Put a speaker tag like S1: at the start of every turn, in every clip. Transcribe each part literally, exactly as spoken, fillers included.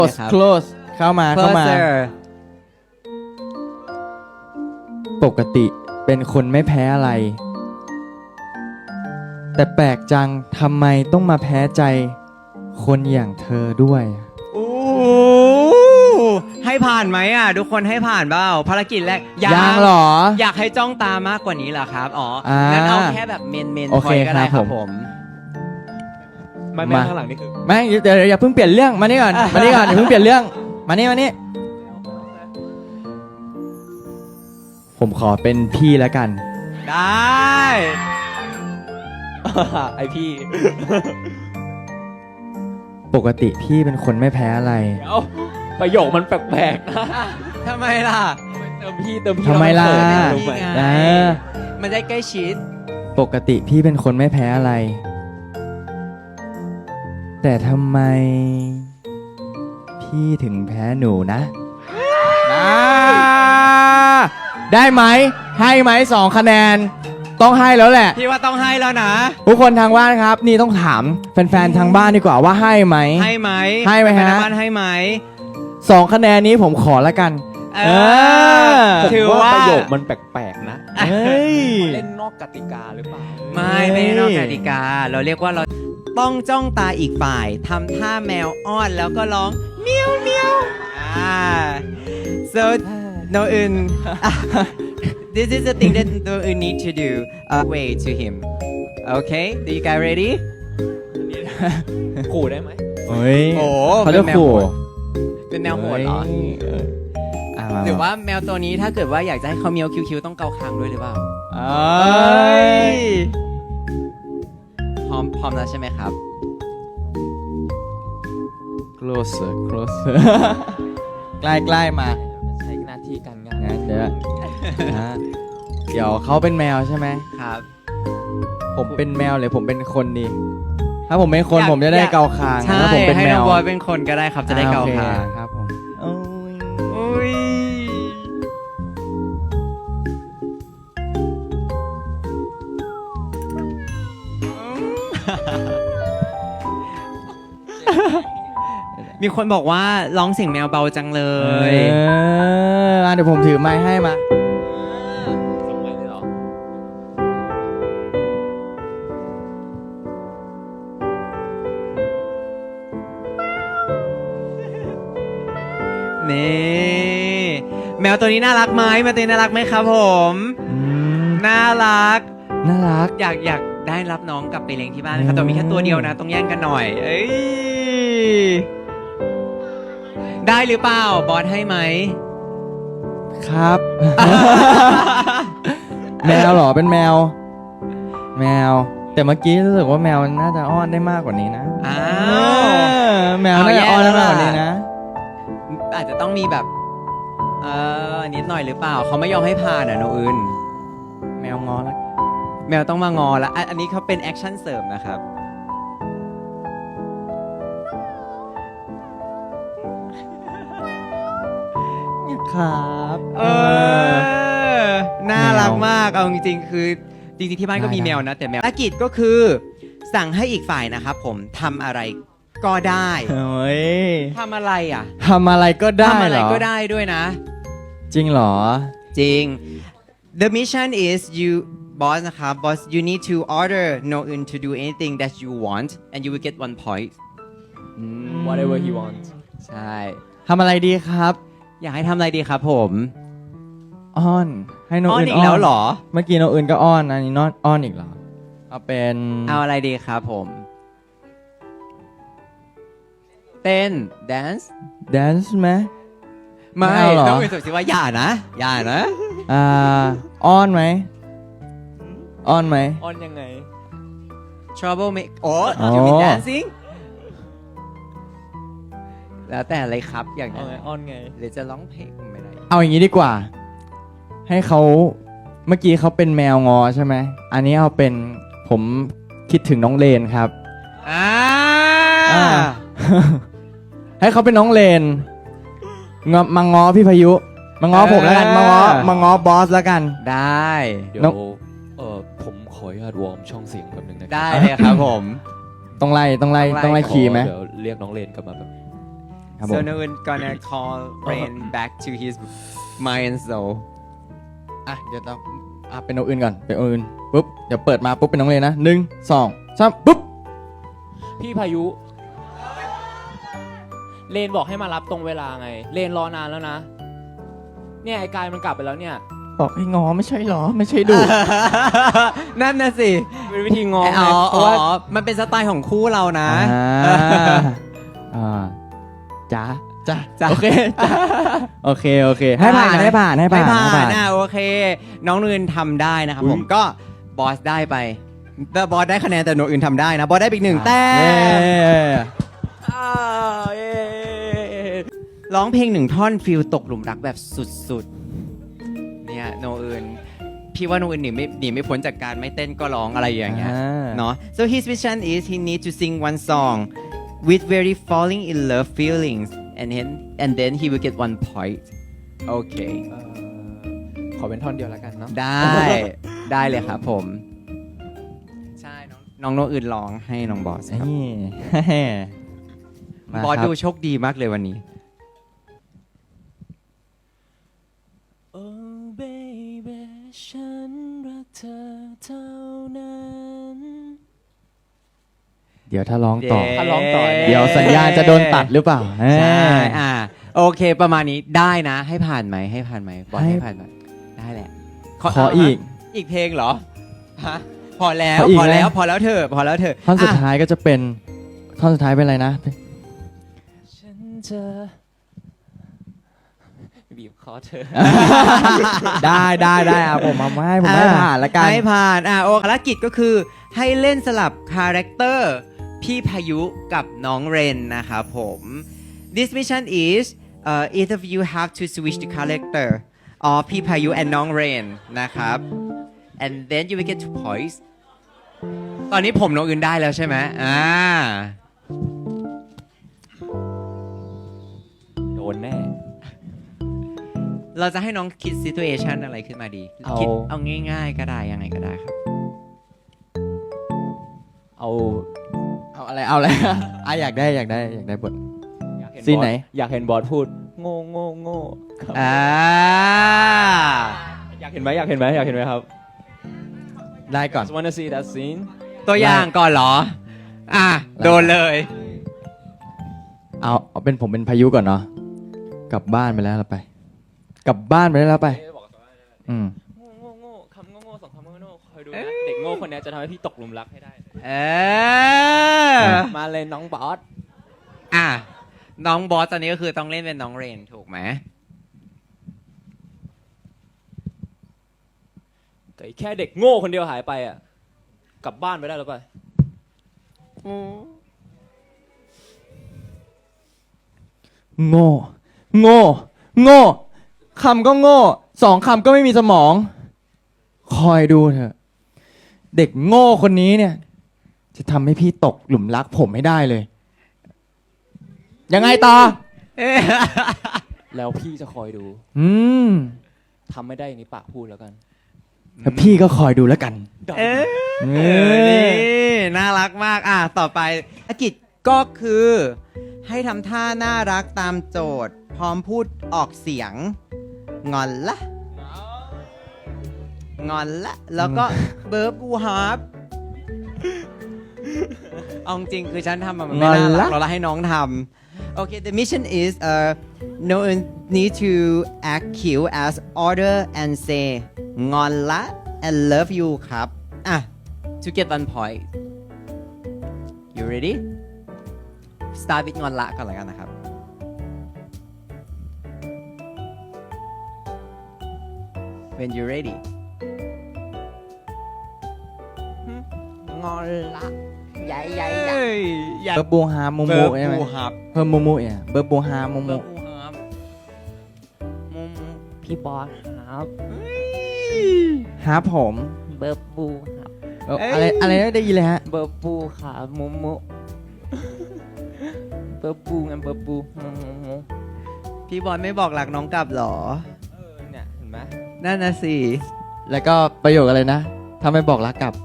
S1: close close เข้ามาเข้ามา ปกติเป็นคนไม่แพ้อะไร แต่แปลกจังทำไมต้องมาแพ้ใจ คนอย่างเธอด้วย
S2: โอ้ให้ผ่านไหมอ่ะทุกคนให้ผ่านเปล่าภารกิจแรก
S1: ยังหรอ
S2: อยากให้จ้องตามากกว่านี้เหรอครับอ๋อ
S1: อ่า
S2: งั้นเอาแค่แบบเมนเมน
S1: โอเค
S2: พอยก็ได้
S1: ค
S2: ค
S1: รั
S2: รั
S1: บบ ผ
S2: ผม ม
S3: ไม่ไม่ข้างหลังนี่คือ
S1: ไม่เดี๋ยวอย่าเพิ่งเปลี่ยนเรื่องมานี่ก่อนมานี่ก่อนอย่าเพิ่งเปลี่ยนเรื่องมานี่มานี่ผมขอเป็นพี่แล้วกัน
S2: ได้
S3: ไอพี่
S1: ปกติพี่เป็นคนไม่แพ้อะไร
S3: เดี๋ยวประโยคมันแปลกๆนะ
S2: ทำไมล่ะ
S3: เติมพี่เติมพี่
S1: ทำไมล่ะ
S3: เขินรู้ไหม
S2: ไง
S1: นะ
S2: มันได้ใกล้ชิด
S1: ปกติพี่เป็นคนไม่แพ้อะไร แต่ทำไม พี่ถึงแพ้หนูนะอ่าได้ไหมให้ไหมสองคะแนน ต้องให้แล้วแหละ
S2: พี่ว่าต้องให้แล้วนะ
S1: ทุกคนทางบ้านครับ นี่ต้องถามแฟนๆทางบ้านดีกว่าว่าให้ไหม
S2: ให้ไหม
S1: ให้ไหมฮะ
S2: แฟนบ้านให้ไหม
S1: สองคะแนนนี้ผมขอละกัน
S2: เอ
S1: เอ
S2: อ
S1: อ
S3: ผม
S2: ถือ
S3: ว่า
S2: ว่า
S3: ประโยคมันแปลกๆนะ
S1: เฮ้ย
S3: เล่นนอกกติกาหรือเปล่า
S2: ไม่ไม่ได้นอกกติกา เราเรียกว่าเราต้องจ้องตาอีกฝ่ายทำท่าแมวอ้อนแล้วก็ร้องเมียวเมียวอ่า so no un this is the thing that no un need to do uh, way to him okay do you guys ready
S3: ขู่ได้ไหม
S1: เฮ้ย
S2: โอ้
S1: เขาจะ
S2: เป็นแมว
S1: ขู่
S2: โหด เป็นแมวโหดเหรอ
S1: เอออ่ะม
S2: หรือว่าแมวตัวนี้ถ้าเกิดว่าอยากจะให้เขาเมียวคิ้วๆต้องเกาคางด้วยหรือเปล่า
S1: เอ้ย
S2: พร้อมพร้อมแล้วใช่ไหมครับ
S1: closer closer ใกล้ใกล้ๆมา
S3: ใช้หน้าที่การงาน
S1: งั้นเดี๋ยวนะเดี๋ยวเขาเป็นแมวใช่ไหม
S2: ครับ
S1: ผมเป็นแมวหรือผมเป็นคนดี ถ้าผมเป็นคน
S2: อยาก
S1: ผมจะได้
S2: อยาก
S1: เกาคาง
S2: ใช่
S1: ถ้าผมเป็น
S2: ให้
S1: แม
S2: น้อง
S1: ว
S2: บอยเป็นคนก็ได้ครับจะได้เกา
S1: โอ
S2: คาง
S1: ครับผมโอ้ย
S2: อุ้ย มีคนบอกว่าร้องเสียงแมวเบาจังเล
S1: เอย ออ่ะเดี๋ยวผมถือไม้ให้มา
S3: ส่งไปเลยเหรอ
S2: นี่แมวตัวนี้น่ารักไหมแมวตัวนี้น่ารักไหมครับผม
S1: อืม
S2: น่ารัก
S1: น่ารัก
S2: อยากอยากได้รับน้องกลับไปเลี้ยงที่บ้านนะครับแต่มีแค่ตัวเดียวนะต้องแย่งกันหน่อย เอ้ยได้หรือเปล่าบอสให้ไหม
S1: ครับ แมวเหรอเป็นแมว แมว แต่เมื่อกี้รู้สึกว่าแมวน่าจะอ้อนได้มากกว่านี้นะ
S2: อ้า
S1: เอ
S2: ว
S1: อแมวน่าจะอ้อนได้มากกว่านี้นะ
S2: อาจจะต้องมีแบบเออนิดหน่อยหรือเปล่าเขาไม่ยอมให้ผ่านอ่ะโนอื่น
S1: แมวงอแล้ว
S2: แมวต้องมางอแล้วอันอันนี้เขาเป็นแอคชั่นเสริมนะครับ
S1: ครับ
S2: เออ น่ารักมาก เอาจริงๆ คือจริงๆ ที่บ้านก็มีแมวนะ แต่แมวภารกิจก็คือ สั่งให้อีกฝ่ายนะครับผมทำอะไรก็ได้
S1: เฮ้ย
S2: ทำอะไรอ่ะ
S1: ทำอะไรก็ได้
S2: ทำอะ
S1: เห
S2: ไร
S1: รอ
S2: ก็ได้ด้วยนะ
S1: จริงเหรอ
S2: จริง The mission is you boss นะครับ boss you need to order no un to do anything that you want and you will get one point อืม
S3: whatever he wants
S2: ใช่
S1: ทำอะไรดีครับ
S2: อยากให้ทำอะไรดีครับผม
S1: อ้อน ให้น้อง
S2: อ้อน
S1: อื่น
S2: อีกแล้วเหรอ
S1: เมื่อกี้น้องอื่นก็อ้อนอันนี้น้องอ้อนอีกเหรอ เอาเป็น
S2: เอาอะไรดีครับผม เต้น dance
S1: แดนซ์ไหม
S2: ไม่
S1: ไม่เอาเหรอ
S2: ต้องเป็นสุดสิว่าอย่านะ อย่านะ
S1: อ่า อ้อนไหม อ้อนไหม
S3: อ้อนยังไง
S2: trouble make โอ้
S1: อ๋อ
S2: you mean dancing แล้วแต่อะไรครับอย่าง
S3: อ้อ
S2: นั้น น
S3: ไงอ้อนไง
S2: หรือจะร้องเพลงไม่ได้
S1: เอาอย่างนี้ดีกว่า ให้เขาเมื่อกี้เขาเป็นแมวงอใช่ไหม อันนี้เอาเป็นผมคิดถึงน้องเลนครับ
S2: อ่า
S1: อ่า ให้เขาเป็นน้องเลนงอมาง้อพี่พายุ มาง้อผมแล้วกัน มาง้อมาง้อบอสแล้วกัน
S2: ได้
S3: เดี๋ยว
S1: น้อง
S3: เออผมขออนุญาตวอร์มช่องเสียงแป๊บนึงนะ
S2: ได้เลยครับผม
S1: ต้องไล่ต้องไล่
S2: ต้
S1: ต้
S2: อ
S1: องง
S2: ไล่
S1: ไล่คีย์ไหม
S3: เดี๋ยวเรียกน้องเลนกลับมาแบบ
S1: ครับผ
S2: so
S1: ม
S2: no one gonna call Rain back to his mind and soul
S1: อ่ะเดี๋ยวต้องอ่ะเป็นโนอื่นก่อนเป็นโนอื่นปุ๊บเดี๋ยวเปิดมาปุ๊บเป็นน้องเลนนะหนึ่งสองสามปุ๊บ
S4: พี่พายุ เลนบอกให้มารับตรงเวลาไง เลนรอนานแล้วนะ เนี่ยไอ้กายมันกลับไปแล้วเนี่ย
S1: บอกให้งอไม่ใช่หรอไม่ใช่ดุ
S2: นั่นน่ะสิ
S4: เป็นวิธีงอ
S2: อ๋
S4: ไง
S2: อ
S4: เพ
S2: อ๋
S4: ราะว่า
S2: อมันเป็นสไตล์ของคู่เรานะ
S1: อ่าอ่าจ้าจ้า
S2: จ้ะ
S1: โอเคจ้าโอเคโอเคให้ผ่าน
S2: ได้นะ
S1: ให้ผ่านให้ผ่าน
S2: ไม่ผ่า
S1: ให้
S2: นอ่ะโอเค น้องนูนทำได้นะครับ
S1: อุ๊ย
S2: ผมก็บอสได้ไปแต่บอสได้คะแนนแต่โนอื่นทำได้นะ บอสได้ไปอีกหนึ่งแต้
S1: เย้
S2: มร้องเพลงหนึ่งท่อนฟิลตกหลุมรักแบบสุดๆ เนี่ยโนอื่นพี่ว่าโนอื่นหนีไม่หนีไม่พ้นจากการไม่เต้นก็ร้องอะไรอย่างเงี้ย
S1: อ่า
S2: เนาะ so his vision is he need to sing one song with very falling in love feelings and then and then he will get one point โอเค
S4: เอ่อขอเป็นท่อนเดียวแล้วกันเนาะ
S2: ได้ ได้เลยครับผม ใช่ น้องน้องโนอื่นร้องให้น้องบอสครับ
S1: นี่ มา
S2: บอส
S1: ครับ
S2: ดูโชคดีมากเลยวันนี้
S4: Oh baby ฉันรักเธอเท่านั้น
S1: เดี๋ยวถ้าร้องต่อ
S2: เย้
S4: ถ้าร้องต่อ
S1: เดี๋ยวสัญญาณจะโดนตัดหรือเปล่า
S2: ใช่
S1: เอ้ย
S2: อ่า โอเคประมาณนี้ได้นะ ให้ผ่านไหมให้ผ่านไหมบอส
S1: ให้
S2: ให้ผ่านไหมได้แหละ
S1: ขออีก
S2: อีกเพลงเหรอฮะพอแล้ว
S1: ขออีก
S2: พอแล้ว
S1: นะ
S2: พอแล้วเถอะพอแล้วเถอะ
S1: ท่อนสุด
S2: อ่ะ
S1: ท้ายก็จะเป็นท่อนสุดท้ายเป็นอะไรนะ
S4: ฉันจะบีบคอเธอ
S1: ได้ได้ได้อ่ะผมมาให้ผมให้ผ่านละกัน
S2: ให้ผ่านอ่ะโอภารกิจก็คือให้เล่นสลับคาแรคเตอร์พี่พายุกับน้องเรนนะครับผม This mission is uh, each of you have to switch the character of พี่พายุ and น้องเรนนะครับ and then you will get two points ตอนนี้ผมน้องอื่นได้แล้วใช่ไหมอ่า
S3: โดนแน่
S2: เราจะให้น้องคิด situation อะไรขึ้นมาดี
S3: เอา
S2: คิดเอาง่ายๆก็ได้ยังไงก็ได้ครับ
S3: เอา
S1: เอาอะไรเอาอะไรอ่ะอยากได้อยากได้อยากได้บท
S3: อยากเห็น
S1: ซีนไหน
S3: บอสอยากเห็นบอสพูด โง่โง่โง่ครับ
S2: อ่า
S3: อยากเห็นไหมอยากเห็นไหมอยากเห็นไหมครับ
S1: ได้ก่อน
S3: Just wanna see that scene
S2: ตัวอย่างก่อนเหรอ อ่ะ โดนเลย
S1: เอาเอาเป็นผมเป็นพายุก่อนเนาะกลับบ้านไปแล้วเราไป กลับบ้านไปแล้วเราไป
S3: เอ๊ะบอกว่า
S1: อืม
S3: โง่โง่โง่คำโง่โง่สองคำโง่โง่คอยดูนะ เด็กโง่คนเนี้ยจะทำให้พี่ตกหลุมรักให้ได้เลย
S2: เออ
S3: มาเลยน้องบอส
S2: อ่ะ น้องบอสตอนนี้ก็คือต้องเล่นเป็นน้องเรนถูกไหม
S3: แต่แค่เด็กโง่คนเดียวหายไปอ่ะ กลับบ้านไปได้แล้วไป
S1: โง่ โง่ โง่คำก็โง่ สองคำก็ไม่มีสมอง คอยดูเถอะ เด็กโง่คนนี้เนี่ย จะทำให้พี่ตกหลุมรักผมไม่ได้เลย ยังไงต่อ
S3: แล้วพี่จะคอยดู
S1: อืม
S3: ทำไม่ได้อย่างนี้ปากพูดแล้วกัน
S1: แล้วพี่ก็คอยดูแล้วกัน
S2: เออ
S1: เอ
S2: เออ
S1: อ
S2: นี่ น่ารักมาก อ่ะ ต่อไปภารกิจก็คือ ให้ทำท่าน่ารักตามโจทย์ พร้อมพูดออกเสียง งอนละ งอนละ แล้วก็เบิร์บบูฮาร์ปเอาจริงคือฉันทำมันไม่น่ารักเราละให้น้องทำโอเค the mission is uh no one need to act cute as order and say งอนละ and love you ครับ อ่ะ to get one point you ready start with งอนละก่อนเลยกันนะครับ when you ready
S4: งอนละใหญ่ใหญ่ใหญ่
S2: อย่า
S1: เบิร์บบูฮาโมโม
S2: เบิร์บ
S1: ใช่ไหม
S2: บูฮับ
S1: เพิ่มโมโมเนี่ยเบิร์บบูฮาโมโม
S2: เบิร์บบูฮับมุม
S4: พี่บอสครับ
S1: ฮาผม
S4: เบิร์บบูครับ
S1: เอ้าอะไรอะไรนะได้ยินเลยฮะ
S4: เบิร์บบูครับมุมุ เบิร์บบูงั้นเบิร์บบูมุมุมุ
S2: พี่บอลไม่บอกรักน้องกลับเหรอ
S3: เออเนี่ยเห็นไหม
S2: นั่นนะสิ
S1: แล้วก็ประโยคอะไรนะถ้าไม่บอกรักกลับ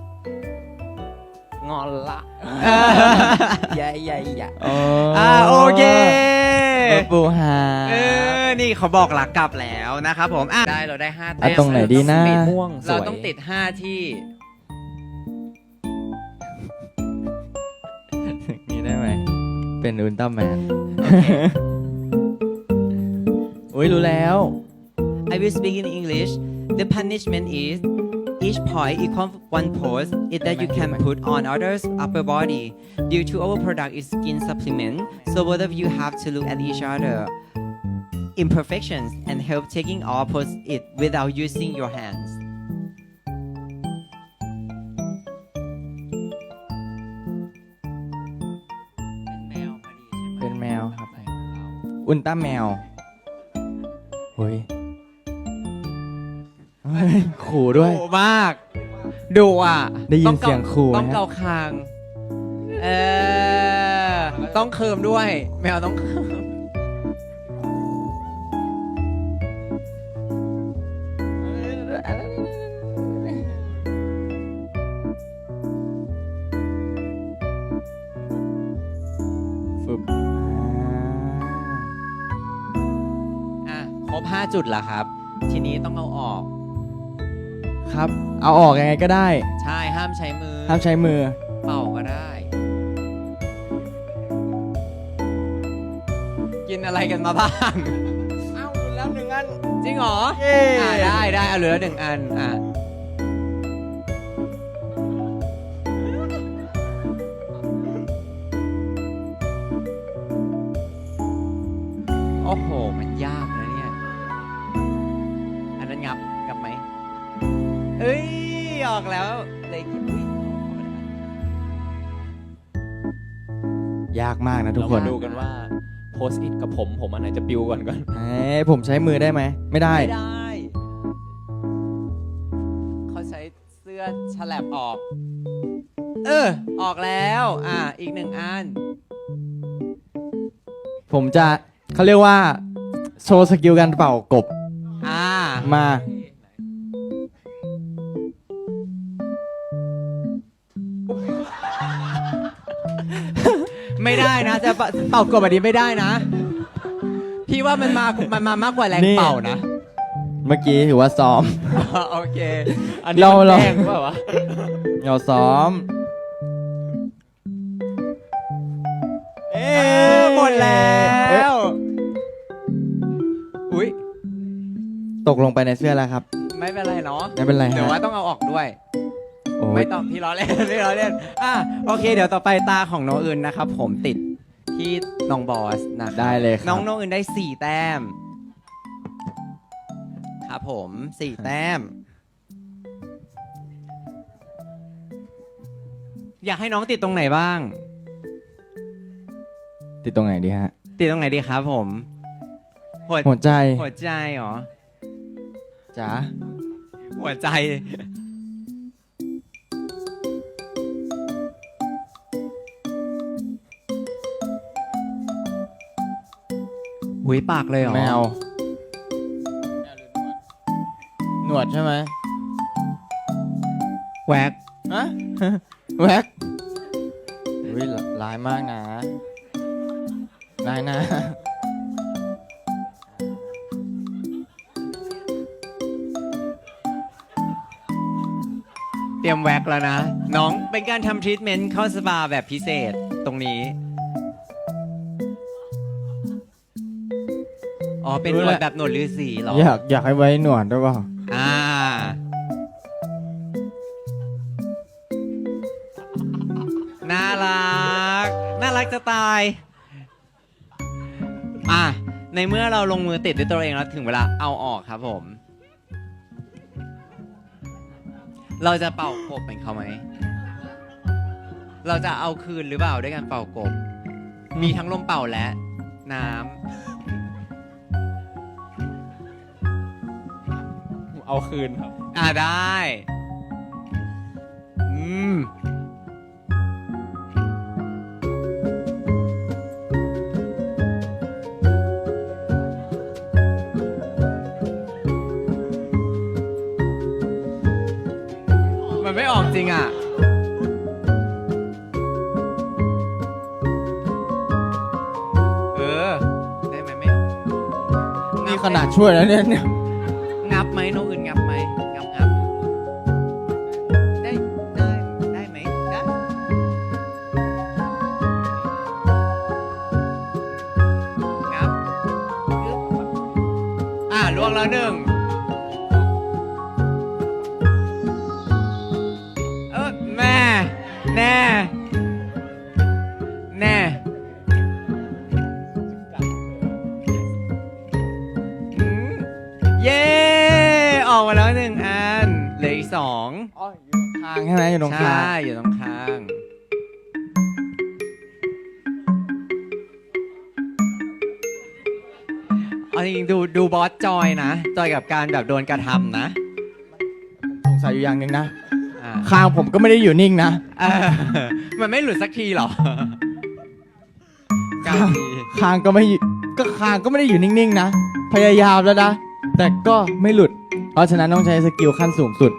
S4: งอนละใหญ่ใหญ่ใหญ่
S1: อ๋อ
S2: อ่าโอเค
S1: ปูหา
S2: เออ นี่เขาบอกหลักกลับแล้วนะครับผมอ่ะได้เราได้ห้า
S1: อ่ะ
S2: แต้ม
S1: ตรงไหนดีนะ
S4: สีม่วงส
S2: เรา
S4: วย
S2: ต้องติดห้าที่
S1: นี่ได้ไหม เป็นอุลตร้าแมน อุ้ยรู้แล้ว
S2: I will speak in English. The punishment is each point equals one pose is that you can put on others' upper body. Due to overproduct is skin supplement, so both of you have to look at each other imperfections and help taking off pose it without using your hands.
S1: เป็นแมวครับ อุลตร้าแมวเฮ้ยเฮ้ยขู่ด้วย
S2: ดุมากดุอ่ะ
S1: ได้ยิน
S2: ต้อง
S1: เสียงขู่
S2: ต้อง
S1: ไหมฮะ
S2: เกาคาง เออ ต้องเคิมด้วย แมวต้องเคิม
S1: ฟึบ
S2: อ่ะครบห้าจุดแล้วครับ ทีนี้ต้องเอาออก
S1: ครับ เอาออกยังไงก็ได้
S2: ใช่ห้ามใช้มือ
S1: ห้ามใช้มือ
S2: เป่าก็ได้ กินอะไรกันมาบ้าง
S1: เอ้าแล้วหนึ่งอัน
S2: จริงเหรอ
S1: เย้
S2: อ่าได้ได้เอาเหลือหนึ่งอัน อ่ะ โอ้โห มันยากนะเนี่ย อันนั้นงับ งับไหม เอ้ย ออกแล้ว เลยคิดอุ้ยออกมาได้ไหม
S1: ยากมากนะทุก
S4: เรา
S1: คน
S4: มาดูกันว่าโพสต์อิทกับผมผมอันไหนจะปิวก่อนก่อน
S1: เอ้ยผมใช้มือได้ไหม ไม่ได้
S2: ไม่ได้ เขาใช้เสื้อฉลับออก เออ ออกแล้ว อ่ะ อีกหนึ่งอัน
S1: ผมจะเขาเรียกว่า โชว์สกิลการเป่ากบ
S2: อ่า
S1: มา
S2: ไม่ได้นะ จะเป่าเป่ากบแบบนี้ไม่ได้นะ พี่ว่ามันมา มันมามากกว่าแรง
S1: นี่
S2: เป่านะ
S1: เมื่อกี้ถือว่าซ้อม
S2: โอเค
S4: อันนี้
S1: เรา
S4: มัน
S1: เรา
S4: แกล้งเปล่าวะ
S1: เราซ้อม เอ๊
S2: เออ หมดแล้ว อุ้ย
S1: ตกลงไปในเสื้อแล้วครับ
S2: ไม่เป็นไรเนาะ
S1: ไม่เป็นไร
S2: เดี๋ยว
S1: ฮะ
S2: ว่าต้องเอาออกด้วย
S1: โอ้
S2: ไม่
S1: ย
S2: ต้องพี่ล้อเล่น พี่ล้อเล่น อ่ะโอเค เดี๋ยวต่อไปตาของน้องอื่นนะครับ ผมติดที่น้องบอสนะครับ
S1: ได้เลยครับ
S2: น้องน้องอื่นได้สี่แต้ม ครับผมสี่แต้ม อยากให้น้องติดตรงไหนบ้าง
S1: ติดตรงไหนดีฮะ
S2: ติดตรงไหนดีครับผม หัว
S1: หัวใจ
S2: หัวใจเหรอ
S1: จ๋า
S2: หัวใจ หุยปากเลยเหรอ
S1: แมว หนวดใช่ไหม
S2: แวก
S1: ฮะ แว็กอุ้ยร้ายมากนะร้ายนะ
S2: เตรียมแวกแล้วนะ น้องเป็นการทำทรีทเมนต์เข้าสปาแบบพิเศษตรงนี้ อ๋อ เป็นหนวดแบบหนวดฤาษีเหรอ
S1: อยากอยากให้ไว้หนวดด้วยเปล่า
S2: อ่า น่ารัก น่ารักจะตาย อ่ะ ในเมื่อเราลงมือติดด้วยตัวเองแล้วถึงเวลาเอาออกครับผม เราจะเป่ากบเป็นเขาไหม เราจะเอาคืนหรือเปล่าด้วยการเป่ากบ มีทั้งลมเป่าและน้ำ
S4: เอาคืนครับ
S2: อ่าได้ อืม มันไม่ออกจริงอ่ะ เออ ได้
S1: นี่ขนาดช่วยแล้วเนี่ยเนี่ย
S2: งับไหมโนอื่นงับไหมงับงับได้ได้ได้ไหมได้งับอึ๊บอ่ะล่วงแล้วหนึ่งเออแม่แน่แน่อืมเย้ออกมาแล้วหนึ่งอันเหลืออีกสอง
S1: ทางใช่ไหมอยู่ตรงกลา
S2: ใช่
S1: ง
S2: อยู่ตรงข้าง เอาจริงๆดูดูบอสจอยนะ จอยกับการแบบโดนกระทำนะ
S1: สงสัยอยู่อย่างหนึ่งนะ
S2: อ่า
S1: คางผมก็ไม่ได้อยู่นิ่งนะ
S2: เออมันไม่หลุดสักทีหรอเก้าที
S1: คางก็ไม่อยู่ก็คางก็ไม่ได้อยู่นิ่งๆนะ พยายามแล้วนะ แต่ก็ไม่หลุด เพราะฉะนั้นต้องใช้สกิลขั้นสูงสุด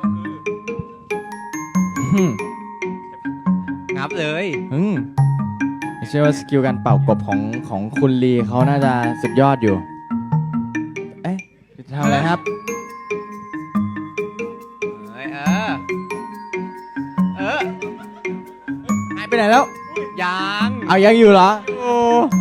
S1: อืม
S2: งับเลย
S1: อืมเชื่อว่าสกิลการเป่ากบของของคุณลีเขาน่าจะสุดยอดอยู่ เอ๊ะจะทำอะไรครับ
S2: เอ้ยเออ เออ
S1: หายไปไหนแล้ว
S2: ยัง
S1: เอายังอยู่เหรอ โอ้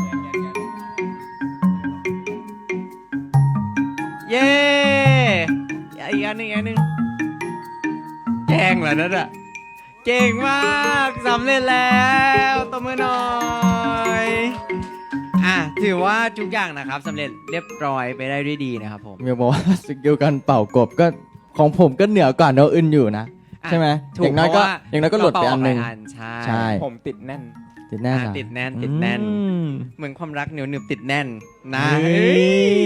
S2: เย้อีกอันหนึ่งอีกอันหนึ่งแกงเหรอนั่นอะเก่งมากสำเร็จแล้วตบมือหน่อยอ่ะถือว่าทุกอย่างนะครับสำเร็จเรียบร้อยไปได้ด้วยดีนะครับผม
S1: เมียบอกว่าสกิลการเป่ากบก็ของผมก็เหนือกว่าโนอื่นอยู่นะ
S2: อ่ะ
S1: ใช่ไหม
S2: ถู
S1: อย่างน้อยก็
S2: เพระว่
S1: อย่างน้อยก็หลุดไปอันหนึ่ง
S2: เราเป่าออกไปใช่
S1: ใช่
S3: ผมติดแน่น
S1: ติดแน่น
S2: อ่ะ
S1: อะ
S2: ติดแน่นติดแน่น
S1: อืม
S2: เหมือนความรักเหนียวหนึบติดแน่นนะ
S1: เฮ้ย